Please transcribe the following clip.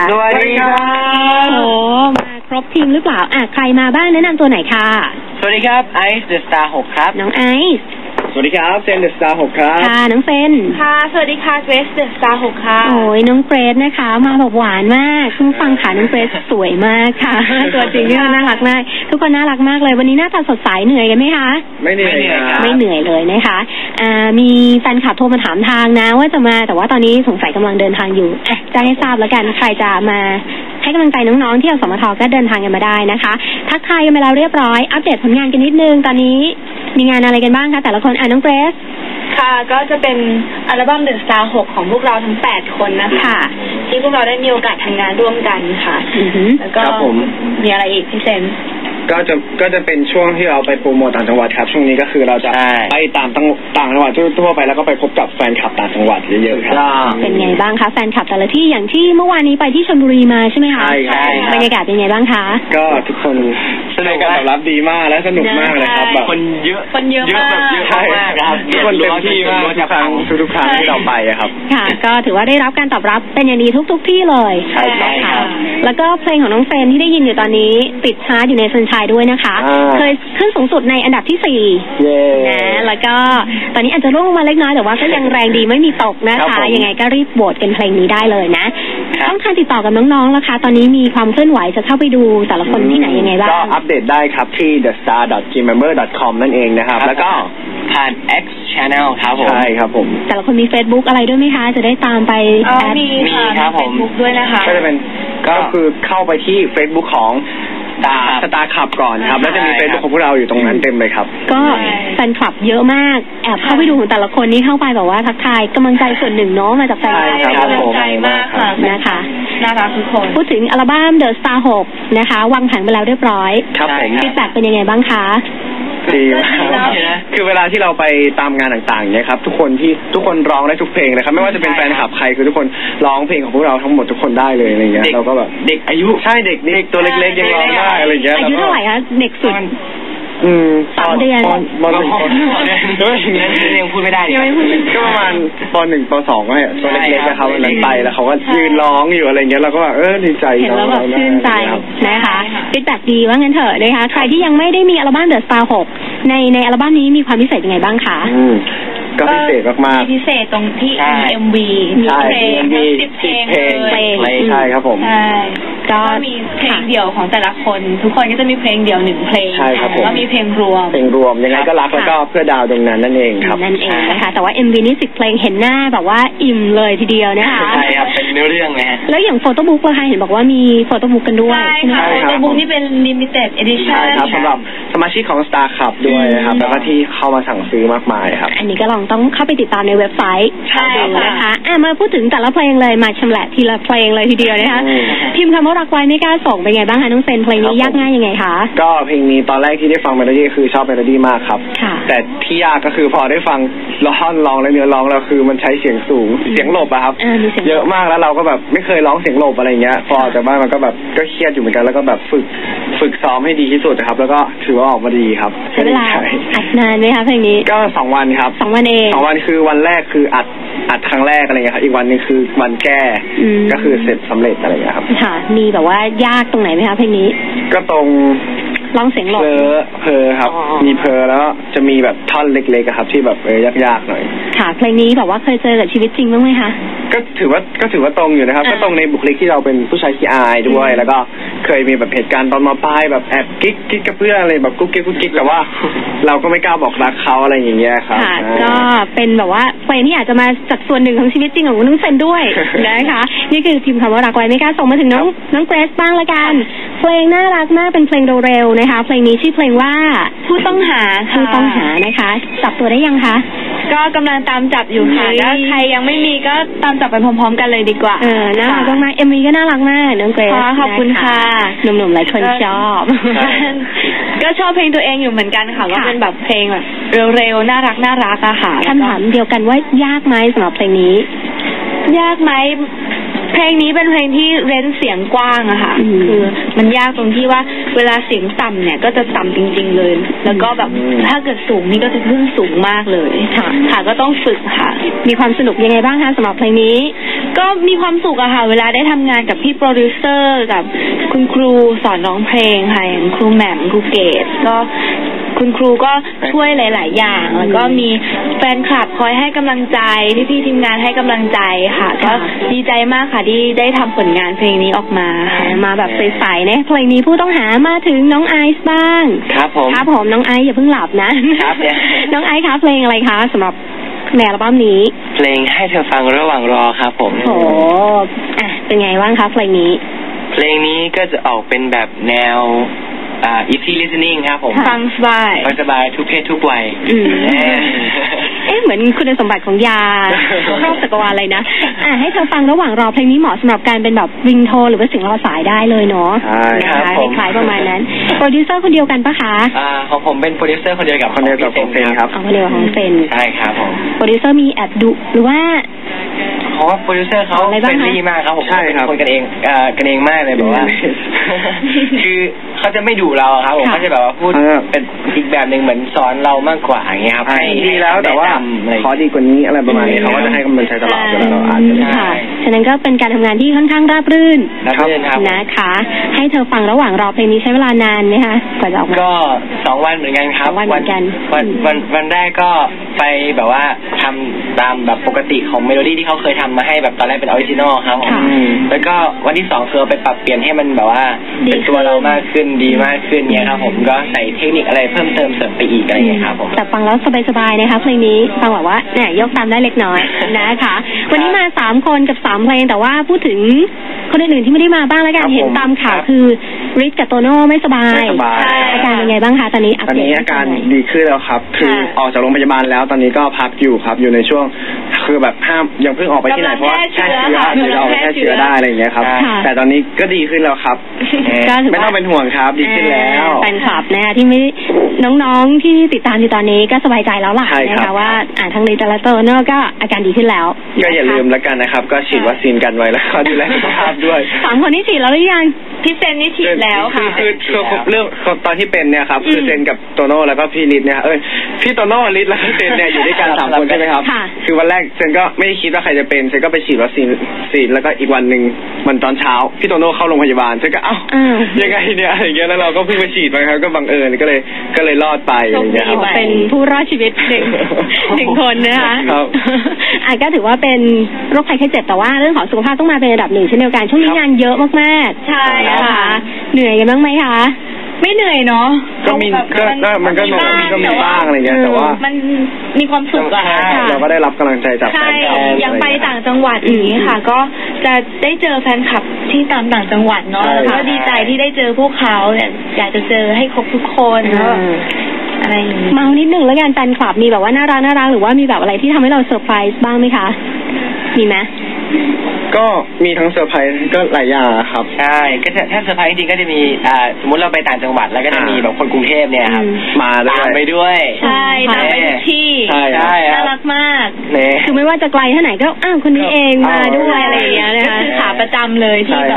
สวัสดีครับโอ้มาครบทีมหรือเปล่าใครมาบ้างแนะนำตัวไหนค่ะสวัสดีครับไอซ์เดอะสตาร์6ครับน้องไอซ์สวัสดีครับเซนเดอะสตาร์6ครับค่ะน้องเซนค่ะสวัสดีค่ะเกรซเดอะสตาร์6ค่ะโอ้ยน้องเกรซนะคะมาแบบหวานมากคุณฟังค่ะน้องเกรซสวยมากค่ะตัวจริงเนี่ยน่ารักมากทุกคนน่ารักมากเลยวันนี้หน้าตาสดใสเหนื่อยกันไหมคะไม่เหนื่อยไม่เหนื่อยเลยนะคะมีแฟนคลับโทรมาถามทางนะว่าจะมาแต่ว่าตอนนี้สงสัยกำลังเดินทางอยู่จะให้ทราบแล้วกันใครจะมาให้กำลังใจน้องๆที่อสมทก็เดินทางกันมาได้นะคะทักทายกันไปแล้วเรียบร้อยอัปเดตผลงานกันนิดนึงตอนนี้มีงานอะไรกันบ้างคะแต่ละคนน้องเกรซค่ะก็จะเป็นอัลบั้ม The Star 6ของพวกเราทั้ง8คนนะคะที่พวกเราได้มีโอกาสทำงานร่วมกันค่ะแล้วก็มีอะไรอีกพี่เซนก็จะเป็นช่วงที่เราไปโปรโมทต่างจังหวัดครับช่วงนี้ก็คือเราจะไปต่างจังหวัดทั่วไปแล้วก็ไปพบกับแฟนคลับต่างจังหวัดเยอะๆครับเป็นไงบ้างคะแฟนคลับแต่ละที่อย่างที่เมื่อวานนี้ไปที่ชลบุรีมาใช่ไหมคะใช่ครับบรรยากาศเป็นไงบ้างคะก็ทุกคนสนุกการตอบรับดีมากและสนุกมากเลยครับแบบคนเยอะแบบเยอะมากครับทุกคนเต็มที่มากทุกครั้งที่เราไปครับค่ะก็ถือว่าได้รับการตอบรับเป็นอย่างดีทุกที่เลยใช่ค่ะแล้วก็เพลงของน้องเฟรนที่ได้ยินอยู่ตอนนี้ติดชาร์ตอยู่ในซันชัยด้วยนะคะเคยขึ้นสูงสุดในอันดับที่4นะแล้วก็ตอนนี้อาจจะร่วงลงมาเล็กน้อยแต่ว่าก็ยังแรงดีไม่มีตกนะคะยังไงก็รีบโหวตกันเพลงนี้ได้เลยนะต้องการติดต่อกับน้องๆแล้วค่ะตอนนี้มีความเคลื่อนไหวจะเข้าไปดูแต่ละคนที่ไหนยังไงบ้างก็อัปเดตได้ครับที่ thestar.gmember.com นั่นเองนะครับแล้วก็ผ่าน X Channel ครับผมใช่ครับผมแต่ละคนมี Facebook อะไรด้วยไหมคะจะได้ตามไปมีครับผม Facebook ด้วยนะคะก็จะเป็นก็คือเข้าไปที่ Facebook ของสตาร์คลับก่อนครับแล้วจะมีเฟซบุ๊กของพวกเราอยู่ตรงนั้นเต็มเลยครับก็แฟนคลับเยอะมากแอบเข้าไปดูของแต่ละคนนี้เข้าไปแบบว่าทักทายกำลังใจส่วนหนึ่งเนาะมาจากแฟนคลับกำลังใจมากค่ะนะคะน่ารักทุกคนพูดถึงอัลบั้ม The Star 6นะคะวางแผงไปแล้วเรียบร้อยครับผมฟีดแบ็กเป็นยังไงบ้างคะดีคือเวลาที่เราไปตามงานต่างๆเนี่ยครับทุกคนร้องได้ทุกเพลงนะครับไม่ว่าจะเป็นแฟนคลับใครคือทุกคนร้องเพลงของพวกเราทั้งหมดทุกคนได้เลยอะไรเงี้ยเราก็แบบเด็กอายุใช่เด็กตัวเล็กๆยังร้องได้อะไรเงี้ยอายุเท่าไหร่คะเด็กสุด3 เดือนม.1 ยังพูดไม่ได้ก็ประมาณป.1 ป.2เนี่ยตัวเล็กๆนะครับวันนั้นไปแล้วเขาก็ยืนร้องอยู่อะไรเงี้ยเราก็แบบดีใจเห็นแล้วแบบชื่นใจนะคะฟีดแบ็กดีว่างั้นเถอะนะคะใครที่ยังไม่ได้มีอัลบั้ม The Star 6ในอัลบั้มนี้มีความพิเศษยังไงบ้างคะก็พิเศษมากๆพิเศษตรงที่ MV มีเพลง10 เพลงใช่ครับผมก็มีเพลงเดี่ยวของแต่ละคนทุกคนก็จะมีเพลงเดี่ยว1เพลงแล้วก็มีเพลงรวมยังไงก็รักแล้วก็เพื่อดาวดวงนั้นนั่นเองครับนั่นเองนะคะแต่ว่า MV นี่10 เพลงเห็นหน้าแบบว่าอิ่มเลยทีเดียวนะคะใช่ครับเป็นเนื้อเรื่องเลยฮะแล้วอย่างโฟโต้บุ๊กล่ะคะเห็นบอกว่ามีโฟโต้บุ๊กกันด้วยใช่ค่ะโฟโต้บุ๊กนี่เป็น limited edition ใช่ครับสำหรับสมาชิกของ Star Club ด้วยนะครับแล้วก็ที่เข้ามาสั่งซื้อมากมายครับอันนี้ก็ต้องเข้าไปติดตามในเว็บไซต์ดูนะคะมาพูดถึงแต่ละเพลงเลยมาชำแหละทีละเพลงเลยทีเดียวนะคะพิมพ์คำว่ารักไว้ไม่กล้าส่งเป็นไงบ้างคะน้องเซนเพลงนี้ยากง่ายยังไงคะก็เพลงนี้ตอนแรกที่ได้ฟังเมโลดี้คือชอบเมโลดี้มากครับแต่ที่ยากก็คือพอได้ฟังท่อนร้องและเนื้อร้องแล้วคือมันใช้เสียงสูงเสียงหลบอะครับเยอะมากแล้วเราก็แบบไม่เคยร้องเสียงหลบอะไรเงี้ยพอจากบ้านมันก็แบบก็เครียดอยู่เหมือนกันแล้วก็แบบฝึกซ้อมให้ดีที่สุดนะครับแล้วก็ถือว่าออกมาดีครับใช้เวลาอัดนานไหมคะเพลงนี้ก็2 วันครับ 2 วันเอง 2 วันคือวันแรกคืออัดครั้งแรกอะไรเงี้ยครับอีกวันนึงคือวันแก้ก็คือเสร็จสำเร็จอะไรเงี้ยครับค่ะมีแบบว่ายากตรงไหนไหมคะเพลงนี้ก็ตรงร้องเสียงหลบเพอครับมีเพอแล้วจะมีแบบท่อนเล็กๆครับที่แบบยากๆหน่อยค่ะเพลงนี้แบบว่าเคยเจอกับชีวิตจริงบ้างไหมคะก็ถือว่าตรงอยู่นะครับก็ตรงในบุคลิกที่เราเป็นผู้ชายขี้อายด้วยแล้วก็เคยมีแบบเหตุการณ์ตอนม.ปลายแบบแอบกิ๊กกับเพื่อนอะไรแบบกุ๊กกิ๊กแต่ว่าเราก็ไม่กล้าบอกรักเขาอะไรอย่างเงี้ยครับค่ะก็เป็นแบบว่าเพลงที่อาจจะมาจากส่วนหนึ่งของชีวิตจริงของน้องเซนด้วยนะคะนี่คือพิมพ์คำว่ารักไว้ไม่กล้าส่งมาถึงน้องเกรซบ้างละกันเพลงน่ารักมากเป็นเพลงเร็วๆนะคะเพลงนี้ชื่อเพลงว่าผู้ต้องหานะคะจับตัวได้ยังคะก็กำลังตามจับอยู่ค่ะถ้าใครยังไม่มีก็ตามจับไปพร้อมๆกันเลยดีกว่าน่ารักมากๆ MV ก็น่ารักมากน้องเกรซขอบคุณค่ะหนุ่มๆหลายคนชอบก็ชอบเพลงตัวเองอยู่เหมือนกันค่ะว่าเป็นแบบเพลงแบบเร็วๆน่ารักอะค่ะคำถามเดียวกันว่ายากไหมสำหรับเพลงนี้ยากไหมเพลงนี้เป็นเพลงที่เร้นเสียงกว้างอะค่ะคือมันยากตรงที่ว่าเวลาเสียงต่ำเนี่ยก็จะต่ำจริงๆเลยแล้วก็แบบถ้าเกิดสูงนี่ก็จะขึ้นสูงมากเลยค่ะก็ต้องฝึกค่ะมีความสนุกยังไงบ้างคะสำหรับเพลงนี้ก็มีความสุขอะค่ะเวลาได้ทำงานกับพี่โปรดิวเซอร์กับคุณครูสอนร้องเพลงค่ะอย่างครูแหม่มครูเกศก็คุณครูก็ช่วยหลายๆอย่างแล้วก็มีแฟนคลับคอยให้กำลังใจพี่ๆทีมงานให้กำลังใจค่ะก็ดีใจมากค่ะที่ได้ทำผลงานเพลงนี้ออกมามาแบบใสๆเนี่ยเพลงนี้ผู้ต้องหามาถึงน้องไอซ์บ้างครับผมน้องไอซ์อย่าเพิ่งหลับนะครับน้องไอซ์คะเพลงอะไรคะสำหรับในอัลบั้มนี้เพลงให้เธอฟังระหว่างรอครับผมโอ้เป็นไงบ้างคะเพลงนี้ก็จะออกเป็นแบบแนวeasy listening ครับผมฟังสบายทุกเพศทุกวัยเหมือนคุณสมบัติของยาครอบจักรวาลเลยนะให้เธอฟังระหว่างรอเพลงนี้เหมาะสำหรับการเป็นแบบริงโทนหรือว่าเสียงรอสายได้เลยเนาะนะคะคล้ายๆประมาณนั้นโปรดิวเซอร์คนเดียวกันปะคะของผมเป็นโปรดิวเซอร์คนเดียวกับของเซนครับคนเดียวของเซนใช่ครับผมโปรดิวเซอร์มีแอบดุหรือว่าเพราะว่าโปรดิวเซอร์เขาเป็นดีมากครับผมใช่ครับคนกันเองมากเลยแบบว่าคือเขาจะไม่ดุเราครับผมเขาจะแบบว่าพูดเป็นอีกแบบหนึ่งเหมือนสอนเรามากกว่าอย่างเงี้ยครับดีแล้วแต่ว่าขอดีกว่านี้อะไรประมาณนี้เขาก็จะให้กำลังใจตลอดเวลาเราอ่านค่ะฉะนั้นก็เป็นการทำงานที่ค่อนข้างราบรื่นนะคะให้เธอฟังระหว่างรอเพลงนี้ใช้เวลานานไหมคะกว่าจะออกมาก็2 วันเหมือนกันครับวันแรกก็ไปแบบว่าทำตามแบบปกติของเมโลดี้ที่เขาเคยทำมาให้แบบตอนแรกเป็นออริจินอลครับแล้วก็วันที่2คือไปปรับเปลี่ยนให้มันแบบว่าเป็นตัวเรามากขึ้นดีมากขึ้นเนี่ยครับผมก็ใส่เทคนิคอะไรเพิ่มเติมเสริมไปอีกอะไรอย่างเงี้ยครับผมแต่ฟังแล้วสบายๆนะคะเพลงนี้ฟังแบบว่าเนี่ยยกตามได้เล็กน้อยนะคะวันนี้มา3 คนกับ3 เพลงแต่ว่าพูดถึงคนอื่นๆที่ไม่ได้มาบ้างแล้วกันเห็นตามข่าวคือริชกับโตโน่ไม่สบายอาการเป็นไงบ้างคะตอนนี้อาการดีขึ้นแล้วครับคือออกจากโรงพยาบาลแล้วตอนนี้ก็พักอยู่ครับอยู่ในช่วงคือแบบห้ามยังเพิ่งออกไปที่ไหนเพราะแค่เชื้อเราแค่เชื้อได้อะไรอย่างเงี้ยครับแต่ตอนนี้ก็ดีขึ้นแล้วครับไม่ต้องเป็นห่วงครับดีขึ้นแล้วแฟนคลับนะคะที่ไม่น้องๆที่ติดตามอยู่ตอนนี้ก็สบายใจแล้วล่ะนะคะว่าทั้งริชและโตโน่ก็อาการดีขึ้นแล้วก็อย่าลืมแล้วกันนะครับก็ฉีดวัคซีนกันไว้แล้วก็ดูแลสุขภาพด้วย 3 คนนี้ฉีดแล้วหรือยังพี่เซนนี่ฉีดแล้วค่ะคือเรื่องตอนที่เป็นเนี่ยครับคือเซนกับโตโน่แล้วก็พี่ฤทธิ์เนี่ยพี่โตโน่ฤทธิ์แล้วก็เซนเนี่ยอยู่ด้วยกัน3 คนใช่ไหมครับคือวันแรกเซนก็ไม่คิดว่าใครจะเป็นเซนก็ไปฉีดวัคซีนแล้วก็อีกวันนึงมันตอนเช้าพี่โตโน่เข้าโรงพยาบาลเซนก็ยังไงเนี่ยอย่างเงี้ยแล้วเราก็เพิ่งไปฉีดไปครับก็บังเอิญก็เลยรอดไปอย่างเงี้ยครับเป็นผู้รอดชีวิต1 คนนะคะครับก็ถือว่าเป็นโรคภัยไข้เจ็บแต่ว่าเรื่องของสุขภาพต้องมาเป็นอันดับ 1เช่นเดียวกันช่วงนี้งานเยอะมากๆใช่ค่ะเหนื่อยกันบ้างไหมคะไม่เหนื่อยเนาะก็มีมันก็มีบ้างอะไรเงี้ยแต่ว่ามันมีความสุขอะเราก็ได้รับกำลังใจจากแฟนๆยังไปต่างจังหวัดอย่างนี้ค่ะก็จะได้เจอแฟนคลับที่ตามต่างจังหวัดเนาะแล้วก็ดีใจที่ได้เจอพวกเขาอยากจะเจอให้ครบทุกคนอะไรเมานิดนึงแล้วกันแฟนคลับมีแบบว่าน่ารักหรือว่ามีแบบอะไรที่ทำให้เราเซอร์ไพรส์บ้างไหมคะมีไหมก็มีทั้งเซอร์ไพรส์ก็หลายอย่างครับใช่ก็ถ้าเซอร์ไพรส์จริงก็จะมีสมมติเราไปต่างจังหวัดแล้วก็จะมีแบบคนกรุงเทพเนี่ยครับมาตามไปด้วยใช่ตามไปที่น่ารักมากคือไม่ว่าจะไกลเท่าไหนก็คนนี้เองมาด้วยอะไรอย่างเงี้ยนะคะขาประจำเลยที่